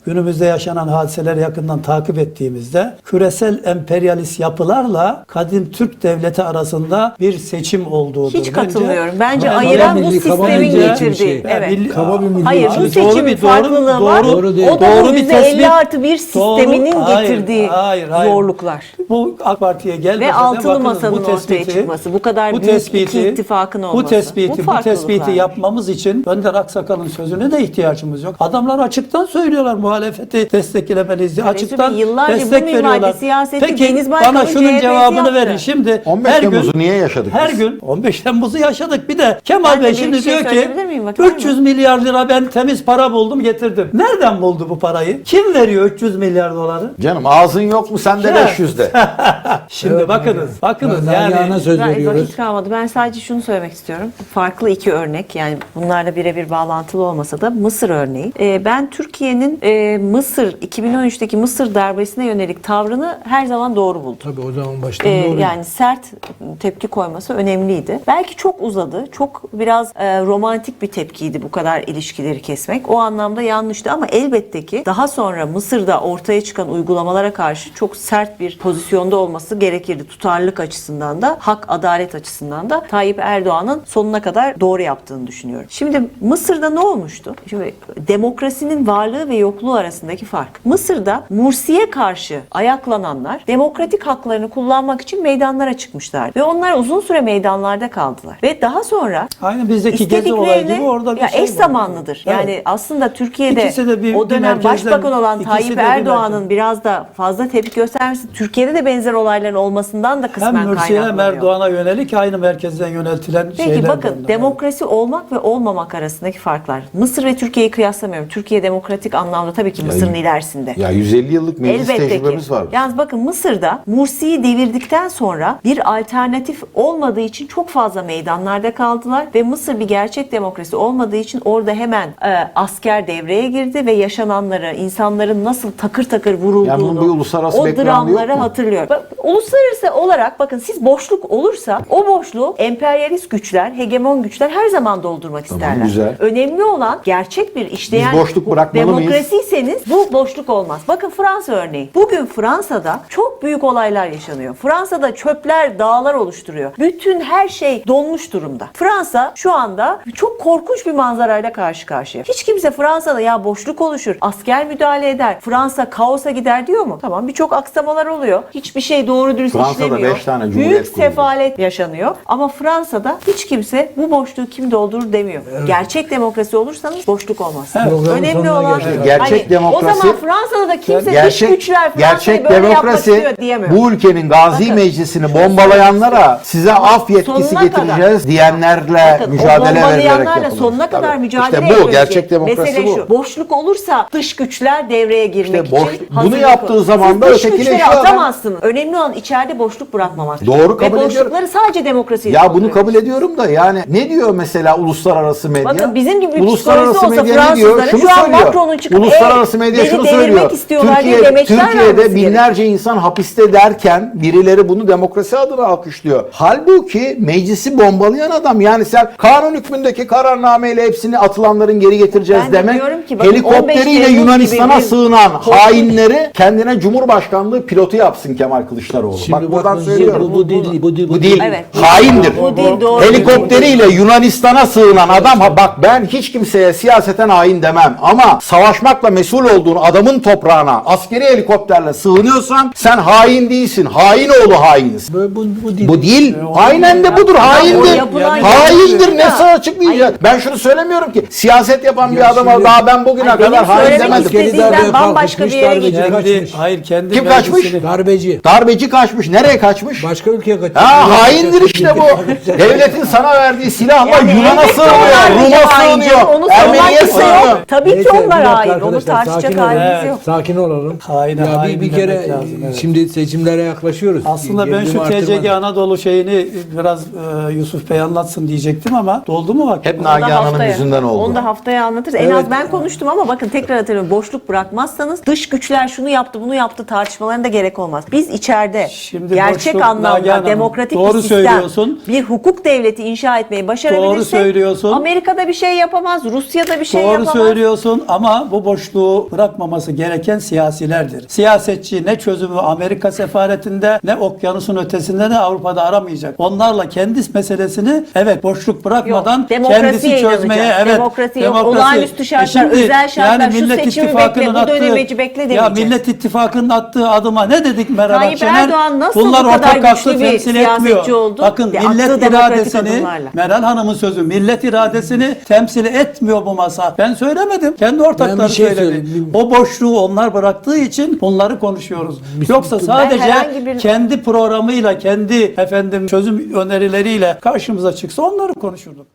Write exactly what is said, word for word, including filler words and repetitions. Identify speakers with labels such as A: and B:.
A: günümüzde yaşanan hadiseleri yakından takip ettiğimizde küresel emperyalist yapılarla kadim Türk devleti arasında bir seçim olduğudur.
B: Hiç katılmıyorum. Bence,
A: Bence
B: ayıran bu
C: milli, kaba
B: sistemin
C: milli
B: getirdiği.
C: şey.
B: Evet.
A: Milli-
C: Kaba bir milli.
B: Hayır, bu
A: Abi
B: seçimin
A: doğru bir- doğru-
B: farklılığı var.
A: doğru-
C: doğru değil.
B: O da
A: Doğru
B: bu
A: bir
B: yüzde
A: tespit.
B: elli artı bir
A: Doğru.
B: sisteminin
A: Hayır,
B: getirdiği
A: hayır, hayır.
B: zorluklar.
A: Bu AK Parti'ye gelmese
B: Ve
A: de
B: altılı
A: bakınız
B: masanın
A: bu
B: ortaya
A: tespiti-
B: çıkması, bu kadar
A: bu
B: büyük
A: tespiti,
B: iki ittifakın olması.
A: Bu tespiti, bu,
B: farklılıklar.
A: tespiti yapmamız için Önder Aksakal'ın sözüne de ihtiyacımız yok. Adamlar açıktan söylüyorlar muhalefeti desteklemeliyiz diye.
B: Ya
A: Açıktan
B: Resul Bey, yıllarca bu
A: destek
B: minvalde
A: veriyorlar.
B: siyaseti
A: Peki
B: Deniz Baykal'ın
A: bana şunun
B: C H P'si
A: cevabını
B: yaptı.
A: verin. Şimdi
D: on beş
A: her gün
D: Temmuz'u niye yaşadık
A: Her
D: biz?
A: gün on beş Temmuz'u yaşadık. Bir de Kemal
B: Ben de
A: Bey
B: bir
A: şimdi
B: şey
A: diyor ki
B: söyleyebilir miyim? Vakit var mı?
A: üç yüz milyar lira ben temiz para buldum getirdim. Nereden buldu bu parayı? Kim veriyor üç yüz milyar doları?
D: Canım ağzın yok mu sende
A: Ya.
D: beş yüzde?
A: Şimdi
C: Evet,
A: bakınız. Bakınız
C: Ben
A: yani.
C: Nagihan'a söz
B: Ben
C: veriyoruz.
B: vakit kalmadı. Ben sadece şunu söylemek istiyorum. Farklı iki örnek, yani bunlarla birebir bağlantılı olmasa da Mısır örneği. Ee, ben Türkiye'nin e, Mısır iki bin on üçteki Mısır darbesine yönelik tavrını her zaman doğru buldum.
C: Tabii o zaman baştan
B: Ee,
C: doğru.
B: yani sert tepki koyması önemliydi. Belki çok uzadı. Çok biraz e, romantik bir tepkiydi bu kadar ilişkileri kesmek. O anlamda yanlıştı ama elbette ki daha sonra Mısır'da ortaya çıkan uygulamalara karşı çok sert bir pozisyonda olması gerekirdi. Tutarlılık açısından da, hak, adalet açısından da Tayyip Erdoğan'ın sonuna kadar doğru yaptığını düşünüyorum. Şimdi Mısır'da ne olmuştu? Şimdi demokrasinin varlığı ve yokluğu arasındaki fark. Mısır'da Mursi'ye karşı ayaklananlar demokratik haklarını kullanmak için meydanlara çıkmışlar. Ve onlar uzun süre meydanlarda kaldılar. Ve daha sonra
A: Aynı bizdeki gezi olayı gibi orada bir
B: ya
A: şey
B: eş
A: var.
B: zamanlıdır.
A: Evet.
B: Yani aslında Türkiye'de
A: İkisi de bir-
B: o
A: bir
B: dönem
A: merkezden-
B: başbakan olan
A: ikisi
B: Tayyip
A: de bir
B: Erdoğan'ın
A: merkez.
B: biraz da fazla tepki göstermesi, Türkiye'de de benzer olayların olmasından da kısmen
A: Hem Mürsi'ye hem
B: kaynaklanıyor.
A: Erdoğan'a yönelik aynı merkezden yöneltilen
B: Peki
A: şeyler.
B: bakın,
A: bunlar.
B: demokrasi olmak ve olmamak arasındaki farklar. Mısır ve Türkiye'yi kıyaslamıyorum. Türkiye demokratik anlamda tabii ki Mısır'ın ilerisinde.
D: Ya yüz elli yıllık meclis
B: Elbette ki.
D: tecrübemiz var.
B: Yalnız bakın Mısır'da Mursi'yi devirdikten sonra bir alternatif olmadığı için çok fazla meydanlarda kaldılar ve Mısır bir gerçek demokrasi olmadığı için orada hemen e, asker devreye girdi ve yaşananları, insanların nasıl takır takır vurulduğunu,
D: Yani bunun bir uluslararası
B: o
D: background'u
B: dramları
D: yok mu?
B: hatırlıyor. Bak, uluslararası olarak bakın, siz boşluk olursa o boşluğu emperyalist güçler, hegemon güçler her zaman doldurmak isterler.
D: güzel.
B: Önemli olan gerçek bir işleyen
D: Biz boşluk bırakmalı mıyız?
B: demokrasiyseniz bu boşluk olmaz. Bakın Fransa örneği. Bugün Fransa'da çok büyük olaylar yaşanıyor. Fransa'da çöpler dağlar oluşturuyor. Bütün her şey donmuş durumda. Fransa şu anda çok korkunç bir manzarayla karşı karşıya. Hiç kimse Fransa'da ya boşluk oluşur, asker müdahale eder, Fransa kaosa gider diyor mu? Tamam, birçok aksamalar oluyor. Hiçbir şey doğru dürüst
D: Fransa'da
B: işlemiyor.
D: beş tane cumhuriyet
B: Büyük
D: kuruldu.
B: sefalet yaşanıyor. Ama Fransa'da hiç kimse bu boşluğu kim doldurur demiyor. Gerçek demokrasi olursanız boşluk olmaz.
C: Programın
B: Önemli
C: sonuna
B: olan
C: geldik.
D: Gerçek
B: hani,
D: demokrasi-
B: o zaman Fransa'da da kimse dış
D: Gerçek,
B: güçler Fransa'yı
D: gerçek
B: böyle yapmak
D: demokrasi
B: istiyor diyemiyor.
D: bu ülkenin Gazi
B: Bakın,
D: Meclisi'ni
B: şunu
D: bombalayanlara size af yetkisi
B: sonuna
D: getireceğiz diyenlerle
B: Bakın,
D: mücadele
B: o
D: verilerek
B: bombalayanlarla
D: yapılır.
B: sonuna kadar
D: Tabii.
B: mücadele
D: İşte bu
B: ediyoruz
D: gerçek
B: diye.
D: demokrasi
B: Mesele
D: bu.
B: şu. Boşluk olursa dış güçler devreye girmek
D: İşte boş-
B: için
D: bunu
B: hazırlık
D: yaptığı
B: olur.
D: zaman da
B: Siz dış
D: ötekileşiyor
B: güçleri
D: adam.
B: atamazsınız. Önemli olan içeride boşluk bırakmamak.
D: Doğru, kabul
B: Ve
D: ediyorum.
B: boşlukları sadece demokrasiyle
D: Ya bunu
B: dolduruyoruz.
D: kabul ediyorum da yani ne diyor mesela uluslararası medya?
B: Bakın bizim gibi bir
D: uluslararası
B: psikolojisi olsa
D: medya ne diyor?
B: Fransızların
D: Şunu
B: şu an
D: söylüyor.
B: Macron'un çıkıp
D: Uluslararası
B: "Ey,
D: medya
B: beni
D: şunu
B: devirmek
D: söylüyor.
B: istiyorlar" diye
D: Türkiye,
B: demeçler
D: Türkiye'de
B: vermesi
D: binlerce insan hapiste derken birileri bunu demokrasi adına alkışlıyor. Halbuki meclisi bombalayan adam, yani sen kanun hükmündeki kararnameyle hepsini atılanların geri getireceğiz
B: Ben de
D: demek,
B: diyorum ki bakın, on beş
D: helikopteriyle
B: Temmuz
D: Yunanistan'a
B: gibi bir-
D: sığınan hainleri kendine Cumhurbaşkanlığı pilotu yapsın Kemal Kılıçdaroğlu.
C: Şimdi
D: Bak buradan
C: bakın,
D: söylüyorum.
C: Bu, bu değil, bu değil,
D: Bu değil.
B: Evet.
D: Haindir.
B: Bu değil, doğru.
D: Helikopteriyle Yunanistan'a sığınan adam, ha bak ben hiç kimseye siyaseten hain demem ama savaşmakla mesul olduğun adamın toprağına askeri helikopterle sığınıyorsan sen hain değilsin. Hain oğlu hainsin.
C: Bu, bu, bu değil.
D: Bu değil. Aynen de budur. Haindir.
B: o yapılan
D: Haindir.
B: yanlış.
D: Ne sana açıklayacak? Ben şunu söylemiyorum ki siyaset yapan bir adama
C: şimdi-
D: daha ben bugüne
B: Ay, benim
D: kadar hain
B: söylemek
D: demedim.
B: istediğim-
C: Askeri darbeye
B: ben bambaşka bir yere
C: kalkışmış,
B: gidiyorum.
C: darbeci
A: Kendi,
C: kaçmış.
A: hayır kendi
D: Kim kaçmış?
A: meclisini-
C: Darbeci.
D: Darbeci kaçmış. Nereye kaçmış?
C: Başka ülkeye kaçmış.
D: Ha haindir işte bu. Devletin sana verdiği silahla
B: Yani
D: Yunan'a
B: elbette
D: sığınıyor,
B: onlar
D: Rum'a
B: da hain
D: sığınıyor,
B: canım, onu savunmak
D: Ermeni'ye
B: kimse yok.
D: sığınıyor.
B: Tabii ki
C: Neyse, bir
B: onlar
C: dakika
B: hain. Onu
C: arkadaşlar,
B: tartışacak
C: sakin olun.
B: halimiz
A: Evet.
B: yok.
C: Sakin olalım.
A: Haine
C: ya
A: hain
C: bir, bir
A: demek
C: kere
A: lazım, evet.
C: şimdi seçimlere yaklaşıyoruz.
A: Aslında ben
C: Gerilimi
A: şu T C G
C: arttırmak-
A: Anadolu şeyini biraz e, Yusuf Bey anlatsın diyecektim ama doldu mu vakit?
D: Hep
B: Onu da
D: Nagihan Hanım
B: haftaya-
D: yüzünden oldu.
B: Onu da haftaya anlatırız. En
C: Evet.
B: az ben konuştum ama bakın tekrar hatırlıyorum. Boşluk bırakmazsanız dış güçler şunu yaptı bunu yaptı tartışmalarına da gerek olmaz. Biz içeride
A: Şimdi
B: gerçek
A: boşluk, Nagihan
B: anlamda
A: Hanım,
B: demokratik
A: doğru
B: bir sistem,
A: söylüyorsun.
B: bir hukuk devleti inşa etmeyi başarabilirsek
A: Doğru söylüyorsun.
B: Amerika'da bir şey yapamaz, Rusya'da bir şey
A: Doğru
B: yapamaz.
A: söylüyorsun ama bu boşluk boşluğu bırakmaması gereken siyasilerdir. Siyasetçi ne çözümü Amerika sefaretinde ne okyanusun ötesinde ne Avrupa'da aramayacak. Onlarla kendi meselesini evet boşluk bırakmadan
B: Yok, demokrasiye
A: kendisi çözmeye
B: inanacak.
A: evet
B: Demokrasi yok, olağanüstü şartlar, özel şartlar, şu seçimi bekle, bu dönemeci bekle
A: ya
B: demeyecek.
A: Millet İttifakı'nın attığı adıma ne dedik Meral
B: Tayyip
A: Akşener?
B: Erdoğan nasıl
A: Bunlar
B: bu kadar
A: ortak aklı
B: güçlü bir
A: temsil
B: siyasetçi
A: etmiyor.
B: oldu?
A: Bakın
B: Ve attığı
A: millet
B: demokratik
A: iradesini
B: adımlarla.
A: Meral Hanım'ın sözü millet iradesini temsil etmiyor bu masa. Ben söylemedim. Kendi ortakları
C: Ben bir şey
A: söyledi.
C: söyleyeyim.
A: O boşluğu onlar bıraktığı için bunları konuşuyoruz. Yoksa sadece
B: herhangi bir-
A: kendi programıyla, kendi efendim çözüm önerileriyle karşımıza çıksa onları konuşurduk.